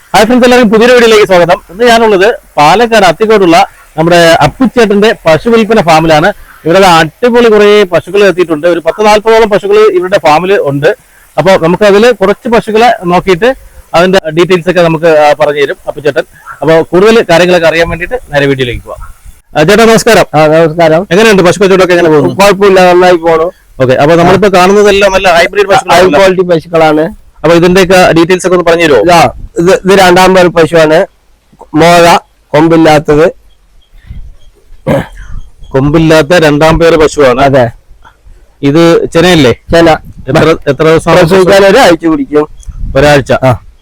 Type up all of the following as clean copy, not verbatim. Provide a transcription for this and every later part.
Hi friends, എല്ലാവരും പുതിയ വീഡിയോയിലേക്ക് സ്വാഗതം. ഇന്ന് ഞാനുള്ളത് പാലക്കാട് അത്തിക്കോടുള്ള നമ്മുടെ അപ്പിച്ചേട്ടന്റെ പശു വിൽപ്പന ഫാമിലാണ്. ഇവിടെ അടിപൊളി കുറെ പശുക്കൾ എത്തിയിട്ടുണ്ട്. ഒരു 10-40ഓളം പശുക്കൾ ഇവരുടെ ഫാമിൽ ഉണ്ട്. അപ്പോൾ നമുക്ക് അതിൽ കുറച്ച് പശുക്കളെ നോക്കിയിട്ട് അതിന്റെ ഡീറ്റെയിൽസ് ഒക്കെ നമുക്ക് പറഞ്ഞു തരും അപ്പിച്ചേട്ടൻ. അപ്പോൾ കൂടുതൽ കാര്യങ്ങളൊക്കെ അറിയാൻ വേണ്ടിയിട്ട് നേരെ വീഡിയോയിലേക്ക് പോവാം. ചേട്ടാ നമസ്കാരം. നമസ്കാരം. എങ്ങനെയുണ്ട് പശു കച്ചവടമൊക്കെ? എങ്ങനെ പോകുന്നു? കുഴപ്പമില്ല, നന്നായി പോണു. ഓക്കെ, അപ്പൊ നമ്മളിപ്പോ കാണുന്നതെല്ലാം നല്ല ഹൈബ്രിഡ് ഹൈ ക്വാളിറ്റി പശുക്കളാണ്. അപ്പൊ ഇതിന്റെയൊക്കെ ഡീറ്റെയിൽസ് ഒക്കെ ഒന്ന് പറഞ്ഞു തരുമോ? ഇത് രണ്ടാം പേർ പശുവാണ്. മോഴ, കൊമ്പില്ലാത്തത്. കൊമ്പില്ലാത്ത രണ്ടാം പേര് പശുവാണ്. അതെ. ഇത് ചെനയല്ലേ? ചെന. എത്ര ദിവസം പ്രസവിക്കാൻ ഒരാഴ്ച പിടിക്കും. ഒരാഴ്ച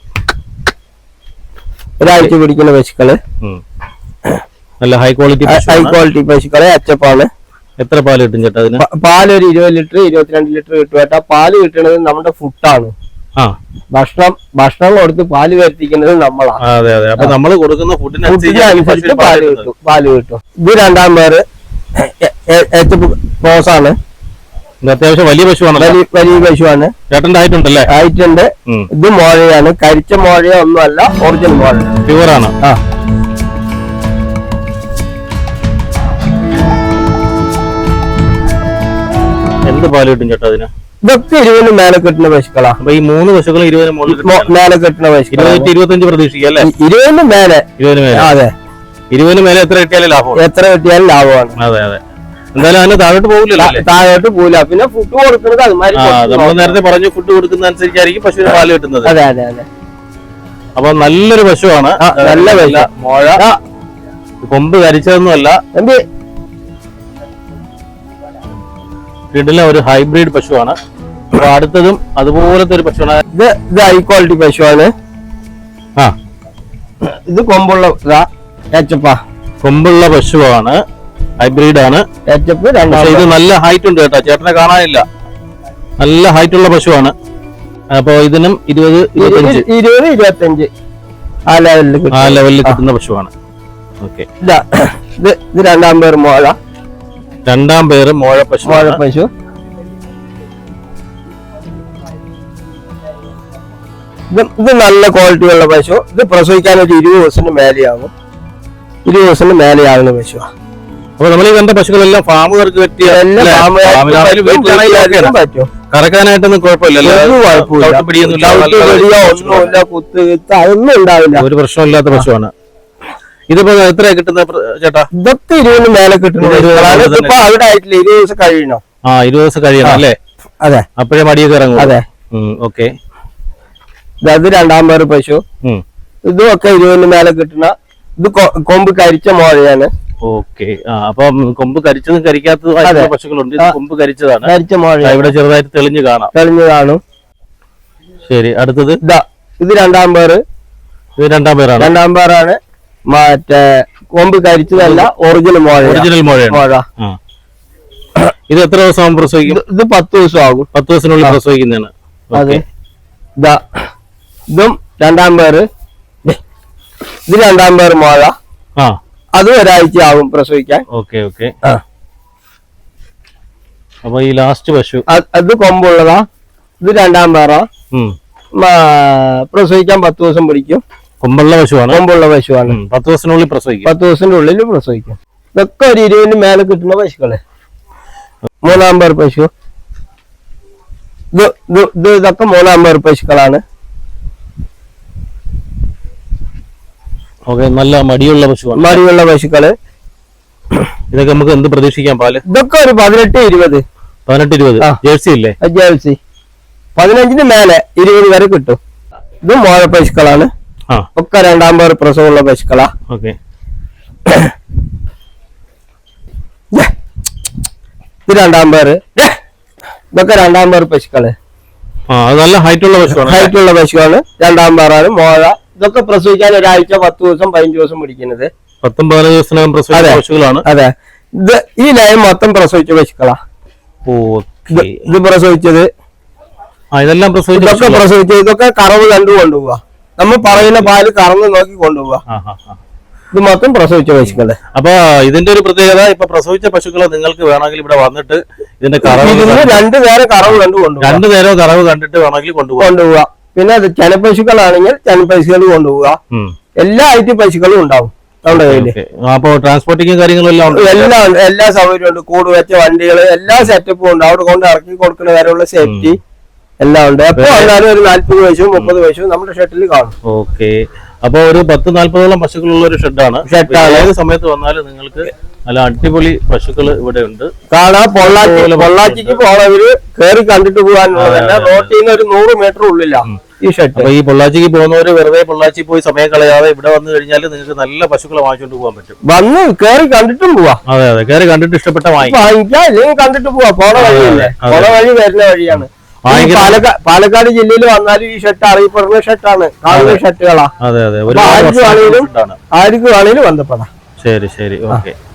പിടിക്കുന്ന പശുക്കള്. നല്ല ഹൈ ക്വാളിറ്റി പശുക്കളെ അച്ചപ്പാണ്. എത്ര പാല് കിട്ടും ചേട്ടാ അതിന്? പാല് ഒരു 20 ലിറ്റർ 22 ലിറ്റർ കിട്ടും ചേട്ടാ. പാല് കിട്ടുന്നത് നമ്മുടെ ഫുഡാണ്. ഭക്ഷണം കൊടുത്ത് പാല് വരുത്തിക്കുന്നത് നമ്മളാണ്. അതെ അതെ. അപ്പൊ നമ്മൾ കൊടുക്കുന്ന ഫുഡിനനുസരിച്ച് പാല് കിട്ടും. ഇത് രണ്ടാം പേര് ക്രോസാണ്. അത്യാവശ്യം വലിയ പശുവാണ്. വലിയ പശുവാണ്. ചേട്ടന്റെ ആയിട്ടുണ്ടല്ലേ? ആയിട്ടുണ്ട്. ഇത് മോഴയാണ്. കരിച്ച മോഴയോ ഒന്നുമല്ല, ഒറിജിനൽ മോഴ, പ്യുവറാണ്. എന്ത് പാല് കിട്ടും ചേട്ടാ അതിന്? ഇതൊക്കെ 20 മേലെ കിട്ടുന്ന പശുക്കളാ. അപ്പൊ ഈ 3 പശുക്കൾ 20 മേലെ കിട്ടുന്ന പശുക്കൾ. 25 പ്രതീക്ഷിക്കുക അല്ലേ? 20 മേലെ. അതെ, 20 മേലെ എത്ര കിട്ടിയാലും ലാഭമാണ്. എത്ര കിട്ടിയാലും ലാഭമാണ്. അതെ അതെ. എന്തായാലും അതിന് താഴോട്ട് പോകില്ലല്ലോ. താഴോട്ട് പോകില്ല. പിന്നെ ഫുഡ് കൊടുക്കുന്നത് നമ്മൾ നേരത്തെ പറഞ്ഞു, ഫുഡ് കൊടുക്കുന്ന അനുസരിച്ചായിരിക്കും പശുവിന് പാല് കിട്ടുന്നത്. അതെ അതെ അതെ. അപ്പൊ നല്ലൊരു പശുവാണ്. നല്ല പശു. മോഴ, കൊമ്പ് കരിച്ചതൊന്നുമല്ല. വീട്ടിലെ ഒരു ഹൈബ്രിഡ് പശുവാണ്. അപ്പൊ അടുത്തതും അതുപോലത്തെ ഒരു പശുവാണ്. ഇത് ഹൈ ക്വാളിറ്റി പശുവാണ്. ഇത് കൊമ്പുള്ള കൊമ്പുള്ള പശുവാണ്, ഹൈബ്രിഡ് ആണ്. ഇത് നല്ല ഹൈറ്റ് ഉണ്ട് കേട്ടോ, ചേട്ടനെ കാണാനില്ല. നല്ല ഹൈറ്റ് ഉള്ള പശുവാണ്. അപ്പൊ ഇതിനും 20-25 ആ ലെവലിൽ കിട്ടുന്ന പശുവാണ്. ഓക്കെ. ഇത് രണ്ടാം പേര് മോഴ. രണ്ടാം പേര് മോഴ പശു. ഇത് നല്ല ക്വാളിറ്റി ഉള്ള പശു. ഇത് പ്രസവിക്കാൻ ഒരു 20 ദിവസത്തിന് മേലെയാകും. 20 ദിവസത്തിന് മേലെയാകുന്ന പശു. അപ്പൊ നമ്മൾ ഈ കണ്ട പശുക്കളെല്ലാം ഫാമുകാർക്ക് പറ്റിയ കറക്കാനായിട്ടൊന്നും കുഴപ്പമില്ലല്ലോ? ഒന്നുമില്ല, കുത്ത് അതൊന്നും ഉണ്ടാവില്ല. ഒരു പ്രശ്നമില്ലാത്ത പശുവാണ്. ഇതിപ്പോ എത്ര കിട്ടുന്ന ചേട്ടാ? ഇതൊക്കെ 20 മേലെ കിട്ടുന്നത്. ഇപ്പൊ അവിടെ ആയിട്ടില്ല, 20 ദിവസം കഴിയണം. 20 ദിവസം കഴിയണം അല്ലേ? അതെ. അപ്പോഴേ മടിയൊക്കെ ഇറങ്ങും. അതെ. ഓക്കെ. ഇത് രണ്ടാം പേര് പശു. ഇതും ഒക്കെ 20 മേലെ കിട്ടുന്ന. ഇത് കൊമ്പ് കരിച്ച മോഴയാണ്. ഓക്കെ. അപ്പൊ കൊമ്പ് കരിച്ചതും കരിക്കാത്തതും പശുക്കളുണ്ട്. കൊമ്പ് കരിച്ചതാണ്. കരിച്ച മോഴ. ഇവിടെ ചെറുതായിട്ട് തെളിഞ്ഞു കാണും. ശരി, അടുത്തത് ഇത് രണ്ടാം പേര്. ഇത് രണ്ടാം പേരാണ്. മറ്റേ കൊമ്പ് കരിച്ചതല്ല, ഒറിജിനൽ മോഴ. ഇത് എത്ര ദിവസം പ്രസവിക്കും? ഇത് 10 ദിവസം ആകും. 10 ദിവസത്തിനുള്ളിൽ പ്രസവിക്കുന്നതാണ്. അതെ. ഇതും രണ്ടാം പേര്. ഇത് രണ്ടാം പേര് മോഴ. അത് ഒരാഴ്ച ആകും പ്രസവിക്കാൻ. Okay okay. അപ്പൊ ഈ ലാസ്റ്റ് പശു അത് കൊമ്പുള്ളതാ. ഇത് രണ്ടാം പേരാ. പ്രസവിക്കാൻ 10 ദിവസം പിടിക്കും. കൊമ്പുള്ള പശുവാണ്. 10 ദിവസത്തിനുള്ളിൽ പ്രസവിക്കും. 10 ദിവസത്തിന്റെ ഉള്ളിൽ പ്രസവിക്കും. ഇതൊക്കെ ഒരു 20 മേലെ കിട്ടുന്ന പശുക്കള്. മൂന്നാം പേർ പശു. ഇതൊക്കെ മൂന്നാം പേർ പശുക്കളാണ്. നല്ല മടിയുള്ള പശുവാണ്. മടിയുള്ള പശുക്കള്. ഇതൊക്കെ നമുക്ക് എന്ത് പ്രതീക്ഷിക്കാം പാല്? ഇതൊക്കെ ഒരു 18-20. 18-20. ജേഴ്സി ഇല്ലേ? ജേഴ്സി 15-ന് മേലെ 20 വരെ കിട്ടും. ഇത് മോഴ പശുക്കളാണ്. ഒക്കെ രണ്ടാം പേർ പ്രസവമുള്ള പശുക്കളാ. ഓക്കെ. ഇത് രണ്ടാം പേര്. ഇതൊക്കെ രണ്ടാം പേർ പശുക്കള്. നല്ല ഹൈറ്റുള്ള പശുവാണ്. രണ്ടാം പേരാണ് മോഴ. ഇതൊക്കെ പ്രസവിക്കാൻ ഒരാഴ്ച 10 ദിവസം 15 ദിവസം പിടിക്കുന്നത്. 10-15 ദിവസത്തിനകം പ്രസവിച്ച പശുക്കളാണ്. അതെ. ഈ ലൈൻ മൊത്തം പ്രസവിച്ച പശുക്കളാ. ഇത് പ്രസവിച്ചത്. ഇതെല്ലാം പ്രസവിച്ചത്. ഇതൊക്കെ കറവ് കണ്ടു കൊണ്ടുപോവാ. നമ്മൾ പറയുന്ന പാല് കറന്ന് നോക്കി കൊണ്ടുപോവാ. ഇത് മൊത്തം പ്രസവിച്ച പശുക്കള്. അപ്പൊ ഇതിന്റെ ഒരു പ്രത്യേകത, ഇപ്പൊ പ്രസവിച്ച പശുക്കളെ നിങ്ങൾക്ക് വേണമെങ്കിൽ ഇവിടെ വന്നിട്ട് ഇതിന്റെ കറവ് 2 നേരം കറവ് കണ്ടു കൊണ്ടുപോവാ. 2 നേരം കറവ് കണ്ടിട്ട് വേണമെങ്കിൽ കൊണ്ടുപോവാ. പിന്നെ ചെനപ്പശുക്കളാണെങ്കിൽ ചെനപ്പശുക്കൾ കൊണ്ടുപോവുക. എല്ലാ ഐറ്റം പശുക്കളും ഉണ്ടാവും നമ്മുടെ കയ്യില്. അപ്പൊ ട്രാൻസ്പോർട്ടിങ് കാര്യങ്ങളും എല്ലാം ഉണ്ട്, എല്ലാ സൗകര്യവും ഉണ്ട്. കൂട് വെച്ച വണ്ടികള് എല്ലാ സെറ്റപ്പും ഉണ്ട്. അവിടെ കൊണ്ട് ഇറക്കി കൊടുക്കുന്ന വരെയുള്ള സേഫ്റ്റി എല്ലാം ഉണ്ട്. എപ്പോ വന്നാലും ഒരു 40 പശുവും 30 പശുവും നമ്മുടെ ഷെഡിൽ കാണും. ഓക്കെ. അപ്പൊ ഒരു 10-40 പശുക്കളുള്ള ഒരു ഷെഡാണ്. ഏത് സമയത്ത് വന്നാലും നിങ്ങൾക്ക് നല്ല അടിപൊളി പശുക്കൾ ഇവിടെ ഉണ്ട് കാണാം. പൊള്ളാച്ചിക്ക് പോണവര് കയറി കണ്ടിട്ട് പോകാനുള്ളതല്ല, റോട്ടിൽ നിന്ന് ഒരു 100 മീറ്റർ ഉള്ളിലാണ് ഈ ഷെഡ്. അപ്പൊ ഈ പൊള്ളാച്ചിക്ക് പോകുന്നവര് വെറുതെ പൊള്ളാച്ചി പോയി സമയം കളയാതെ ഇവിടെ വന്നു കഴിഞ്ഞാൽ നിങ്ങൾക്ക് നല്ല പശുക്കളെ വാങ്ങിച്ചോണ്ട് പോകാൻ പറ്റും. വന്ന് കയറി കണ്ടിട്ടും പോവാ. അതെ അതെ, കയറി കണ്ടിട്ട് ഇഷ്ടപ്പെട്ട വാങ്ങിക്കാം, അല്ലെങ്കിൽ കണ്ടിട്ട് പോവാ. പോണ വഴിയല്ലേ, പോണ വഴി വരുന്ന വഴിയാണ്. പാലക്കാട് ജില്ലയിൽ വന്നാലും ഈ ഷെഡ് അറിയപ്പെടുന്ന ഷെഡാണ്, കാണുന്ന ഷെഡുകളാ. അതെ അതെ, ആർക്കും ആണെങ്കിലും ബന്ധപ്പെടാം. ശരി ശരി, ഓക്കെ.